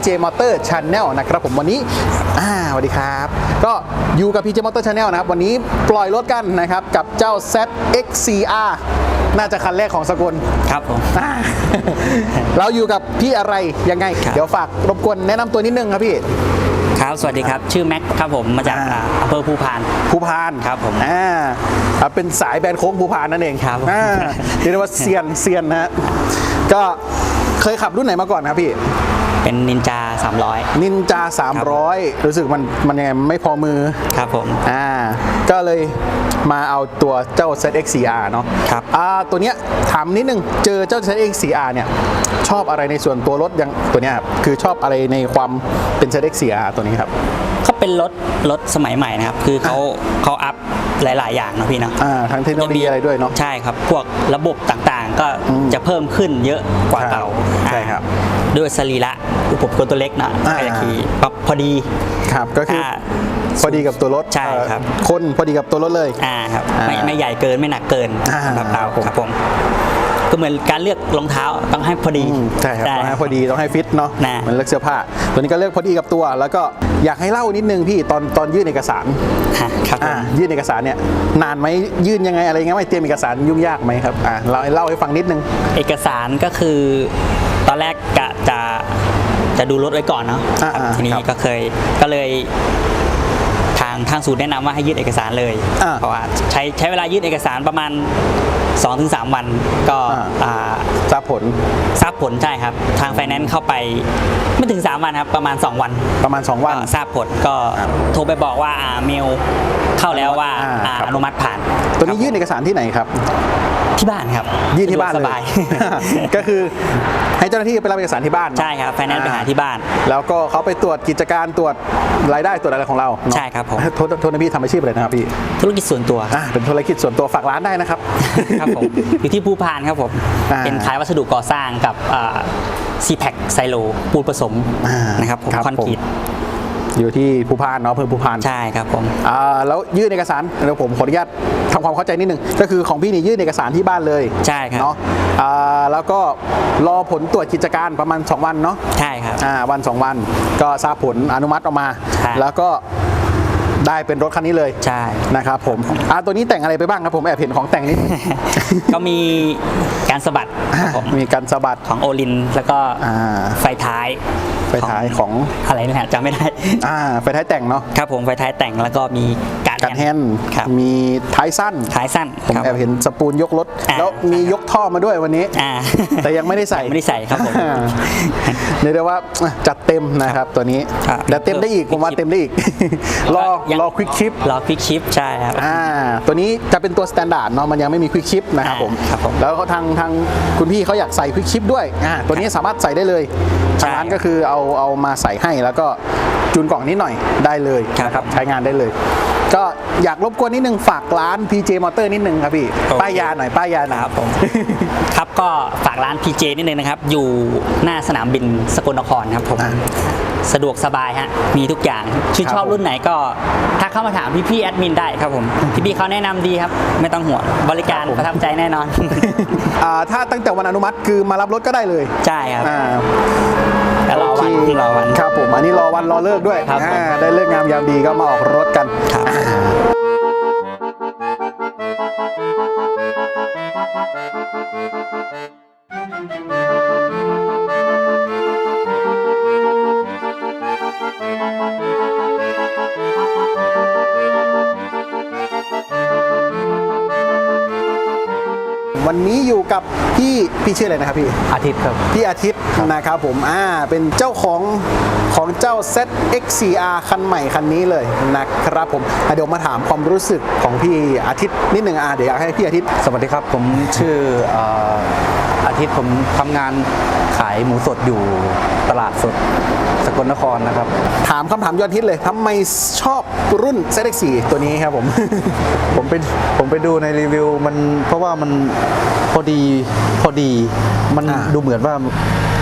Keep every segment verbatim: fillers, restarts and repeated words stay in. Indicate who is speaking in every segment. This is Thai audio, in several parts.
Speaker 1: พี เจ Motor Channel นะครับผมวันนี้อ่าสวัสดีครับก็อยู่กับ พี เจ Motor Channel นะครับวันนี้ปล่อยรถกันนะครับกับเจ้า แซด เอ็กซ์ ซี อาร์ น่าจะคันแรกของสกล
Speaker 2: ครับผม
Speaker 1: เราอยู่กับพี่อะไรยังไงเดี๋ยวฝากรบกวนแนะนำตัวนิดนึงครับพี่
Speaker 2: ครับสวัสดีครับชื่อแม็กครับผมมาจากอำเภอภูพาน
Speaker 1: ภูพาน
Speaker 2: ครับผม
Speaker 1: อ่าเป็นสายแบนโค้งภูพานนั่นเอง
Speaker 2: ครับ
Speaker 1: อ่าเรียกว่าเซียนเซียนนะฮะก็เคยขับรุ่นไหนมาก่อนครับพี่
Speaker 2: เป็นนินจาสามร้อย
Speaker 1: นินจาสามร้อยรู้สึกมันมันยังไงไม่พอมือ
Speaker 2: ครับผม
Speaker 1: อ่าก็เลยมาเอาตัวเจ้า แซด เอ็กซ์ ซี อาร์ เนาะ
Speaker 2: ครับ
Speaker 1: อ่าตัวเนี้ยถามนิดนึงเจอเจ้า แซด เอ็กซ์ ซี อาร์ เนี่ยชอบอะไรในส่วนตัวรถยังตัวเนี้ยครับคือชอบอะไรในความเป็น แซด เอ็กซ์ ซี อาร์ ตัวนี้ครับ
Speaker 2: เขาเป็นรถรถสมัยใหม่นะครับคือเขาเขาอัพหลายๆอย่างนะพี่เนาะ
Speaker 1: อ่าทั้งเทคโนโลยีอะไรด้วยเนาะ
Speaker 2: ใช่ครับพวกระบบต่างๆก็จะเพิ่มขึ้นเยอะกว่าเก่า
Speaker 1: ใช่ครับ
Speaker 2: ด้วยสรีระอุปกรณ์ตัวเล็กนะก็จะขี่พอดี
Speaker 1: ครับก็คือพอดีกับตัวรถ
Speaker 2: ใช่ครับ
Speaker 1: คนพอดีกับตัวรถเลย
Speaker 2: อ่าครับไม่ไม่ใหญ่เกินไม่หนักเกินแบบเราครับผมก็เหมือนการเลือกรองเท้าต้องให้พอดี
Speaker 1: ใช่ครับต้องให้พอดีต้องให้ฟิตเนาะมันเลือกเสื้อผ้าตัวนี้ก็เลือกพอดีกับตัวแล้วก็อยากให้เล่านิดนึงพี่ตอนตอนยื่นเอกสาร
Speaker 2: ครับ
Speaker 1: ยื่นเอกสารเนี่ยนานไหมยื่นยังไงอะไรเงี้ยไม่เตรียมเอกสารยุ่งยากไหมครับอ่าเราเล่าให้ฟังนิดนึง
Speaker 2: เอกสารก็คือตอนแรกกะจะจะดูรถไว้ก่อนเนาะทีนี้ก็เคยก็เลยทางทางศูนย์แนะนำว่าให้ยื่นเอกสารเลยเพราะว่าใช้ใช้เวลายื่นเอกสารประมาณ สองถึงสาม วันก็
Speaker 1: ทราบผล
Speaker 2: ทราบผลใช่ครับทางไฟแนนซ์เข้าไปไม่ถึงสามวันครับประมาณสองวัน
Speaker 1: ประมาณสองวัน
Speaker 2: ทราบผลก็โทรไปบอกว่าเมลเข้าแล้วว่าอนุมัติผ่าน
Speaker 1: ตัวนี้ยื่นเอกสารที่ไหนครับ
Speaker 2: ที่บ้านครับ
Speaker 1: ยื่นที่บ้านเลยก็คือให้เจ้าหน้าที่ไปรับเอกสารที่บ้าน
Speaker 2: ใช่ครับไฟแนนซ์ไปหาที่บ้าน
Speaker 1: แล้วก็เขาไปตรวจกิจการตรวจรายได้ตรวจอะไรของเรา
Speaker 2: ใช่ครับผม
Speaker 1: โทษโทษนะพี่ทำอาชีพอะไรนะครับพี่
Speaker 2: ธุรกิจส่วนตัว
Speaker 1: อ่าเป็นธุรกิจส่วนตัวฝากร้านได้นะครับ
Speaker 2: ครับผมอยู่ที่ภูพานครับผมเป็นขายวัสดุก่อสร้างกับซีแพคไซโลปูนผสมนะครับผมคอนกรีต
Speaker 1: อยู่ที่ภูพานเนาะเพิ่มภูพาน
Speaker 2: ใช่ครับผม
Speaker 1: อ่าแล้วยื่นเอกสารเดี๋ยวผมขออนุญาตทำความเข้าใจนิดนึงก็คือของพี่นี่ยื่นเอกสารที่บ้านเลย
Speaker 2: ใช่ครับ
Speaker 1: เนาะอ่าแล้วก็รอผลตรวจกิจการประมาณสองวันเนาะ
Speaker 2: ใช่ครับ
Speaker 1: อ่าวันสองวันก็ทราบผลอนุมัติออกมาแล้วก็ได้เป็นรถคันนี้เลย
Speaker 2: ใช่
Speaker 1: นะครับผมอ่าตัวนี้แต่งอะไรไปบ้างครับผมแอบเห็นของแต่งนิด
Speaker 2: ก็มีการสะบัด
Speaker 1: มีการสะบัด
Speaker 2: ของโอลินแล้วก็ไฟท้าย
Speaker 1: ไฟท้ายของ
Speaker 2: อะไรนี่แหละจำไม่ได้
Speaker 1: อ่าไฟท้ายแต่งเนาะ
Speaker 2: ครับผมไฟท้ายแต่งแล้วก็มี
Speaker 1: การแฮนด์มีท้ายสั้น
Speaker 2: ท้ายสั้น
Speaker 1: ผมแอบเห็นสปูนยกรถแล้วมียกท่อมาด้วยวันนี้แต่ยังไม่ได้ใส่
Speaker 2: ไม่ได้ใส่ครับผม
Speaker 1: เรียกได้ว่าจัดเต็มนะครับตัวนี้แต่เต็มได้อีกผมว่าเต็มได้อีกรอรอควิกชิป
Speaker 2: รอควิกชิปใช่ครับ
Speaker 1: อ่าตัวนี้จะเป็นตัวสแตนดาร์ดเนาะมันยังไม่มีควิกชิปนะครับผมแล้วเขาทางทางคุณพี่เขาอยากใส่ควิกชิปด้วยอ่าตัวนี้สามารถใส่ได้เลยทางร้านก็คือเอาเอามาใส่ให้แล้วก็จูนกล่องนิดหน่อยได้เลยนะครับใช้งานได้เลยก็อยากรบกวนนิดนึงฝากร้าน พี เจ Motor นิดนึงครับพี่ป้ายยาหน่อยป้ายยาหน่อย
Speaker 2: ครับผมครับก็ฝากร้าน พี เจ นิดนึงนะครับอยู่หน้าสนามบินสกลนครครับผมสะดวกสบายฮะมีทุกอย่างชื่นชอบรุ่นไหนก็ถ้าเข้ามาถามพี่ๆแอดมินได้ครับผมพี่ๆเขาแนะนำดีครับไม่ต้องห่วงบริการประทับใจแน่นอน
Speaker 1: ถ้าตั้งแต่วันอนุมัติคือมารับรถก็ได้เลย
Speaker 2: ใช่ครับแต่รอวันรอวัน
Speaker 1: ครับผมอันนี้รอวันรอเลิกด้วยได้เลิกงามยามดีก็มาออกรถกันวันนี้อยู่กับพี่พี่ชื่ออะไรนะครับพี่
Speaker 2: อาทิตย์ครับ
Speaker 1: พี่อาทิตย์นะครับผมอ่าเป็นเจ้าของของเจ้า แซด เอ็กซ์ ซี อาร์ คันใหม่คันนี้เลยนะครับผมเดี๋ยวมาถามความรู้สึกของพี่อาทิตย์นิดหนึ่งอ่าเดี๋ยวอยากให้พี่อาทิตย์
Speaker 3: สวัสดีครับผมชื่ออาทิตย์ผมทำงานขายหมูสดอยู่ตลาดสดสกลนครนะครับ
Speaker 1: ถามคำถามยอดฮิตเลยทำไมชอบรุ่น แซด เอ็กซ์ ซี ตัวนี้ครับผม
Speaker 3: ผมไปผมไปดูในรีวิวมันเพราะว่ามันพอดีพอดีมันดูเหมือนว่าถ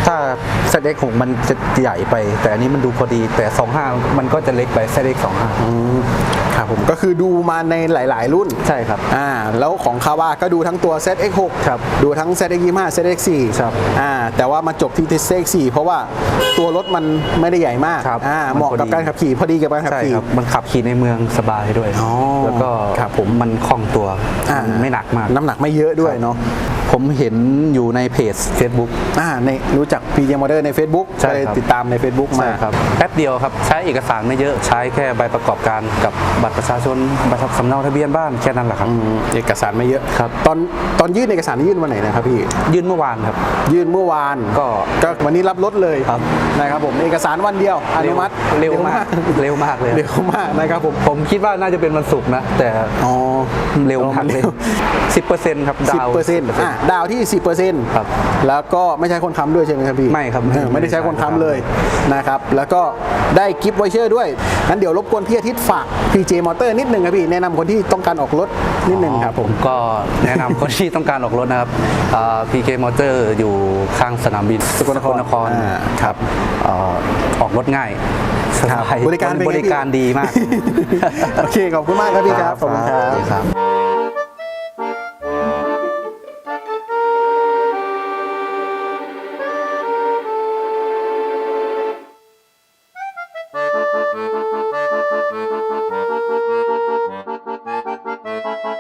Speaker 3: ถ้า แซด เอ็กซ์ หก มันจะใหญ่ไป แต่อันนี้มันดูพอดี แต่ สองห้า มันก็จะเล็กไป แซด เอ็กซ์ สองห้า
Speaker 1: ครับผมก็คือดูมาในหลาย ๆ รุ่น
Speaker 3: ใช่ครับ
Speaker 1: อ่าแล้วของคาวาก็ดูทั้งตัว แซด เอ็กซ์ หก
Speaker 3: ครับ
Speaker 1: ดูทั้ง แซด เอ็กซ์ ยี่สิบห้า แซด เอ็กซ์ สี่
Speaker 3: ครับ
Speaker 1: อ่าแต่ว่ามาจบที่ แซด เอ็กซ์ สี่ เพราะว่าตัวรถมันไม่ได้ใหญ่มาก
Speaker 3: ครับ
Speaker 1: อ่า
Speaker 3: มัน
Speaker 1: เหมาะกับ
Speaker 3: พอดี
Speaker 1: การขับขี่พอดีกับการขับ
Speaker 3: ใช่
Speaker 1: ขี่
Speaker 3: ครับ มันขับขี่ในเมืองสบายด้วย
Speaker 1: อ๋อ
Speaker 3: แล้วก็
Speaker 1: ครับผม
Speaker 3: มันคล่องตัว
Speaker 1: อ่า
Speaker 3: มันไม่หนักมาก
Speaker 1: น้ำหนักไม่เยอะด้วยเนาะ
Speaker 3: ผมเห็นอยู่ในเพจ Facebook
Speaker 1: อ่าในรู้จัก พี เจ Motor ใน Facebook
Speaker 3: ใช่
Speaker 1: ไป
Speaker 3: ครับ
Speaker 1: ติดตามใน Facebook มา
Speaker 3: ใช่ครับแป๊บเดียวครับ ใช้เอกสารไม่เยอะ ใช้แค่ใบประกอบการกับบัตรประชาชนบัตรสำเนาทะเบียนบ้านแค่นั้นแหละครับ
Speaker 1: อืมเอกสารไม่เยอะ
Speaker 3: ครับ
Speaker 1: ตอนตอนยื่นเอกสารนี่ยื่นวันไหนนะครับพี่
Speaker 3: ยื่นเมื่อวานครับ
Speaker 1: ยื่นเมื่อวาน
Speaker 3: ก็
Speaker 1: ก็วันนี้รับรถเลย
Speaker 3: ครับ
Speaker 1: นะครับผมเอกสารวันเดียวอนุมัติ
Speaker 3: เร็วมากเร็วมากเลย
Speaker 1: เร็วมากนะครับผม
Speaker 3: ผมคิดว่าน่าจะเป็นวันศุกร์นะ แต่
Speaker 1: อ๋อ
Speaker 3: เร็วมากเลยสิบเปอร์เซ็นต์ครับ
Speaker 1: สิบ
Speaker 3: ดาว
Speaker 1: เปอร์เซ็นต์อ่ะดาวที่สิบเปอร์เซ็นต์
Speaker 3: ครับ
Speaker 1: แล้วก็ไม่ใช่คนค้ำด้วยใช่ไหมครับพี่
Speaker 3: ไม่ครับ
Speaker 1: เออไม่ได้ใช้คนค้ำเลยนะครับแล้วก็ได้กิฟต์ไวเชอร์ด้วยงั้นเดี๋ยวรบกวนพี่อาทิตย์ฝาก พี เจ Motor นิดนึงครับพี่แนะนำคนที่ต้องการออกรถนิดนึงครับผม
Speaker 3: ก็แนะนำคนที่ต้องการออกรถนะครับพี เค Motor อยู่ข้างสนามบิน
Speaker 1: สกลนคร
Speaker 3: นคร
Speaker 1: อ่าครับ
Speaker 3: เอ่อออกรถง่ายสบาย
Speaker 1: บริการเป็นไง
Speaker 3: บริการดีมาก
Speaker 1: โอเคขอบคุณมากครับพี่ครับขอบคุณครับ
Speaker 3: ครับ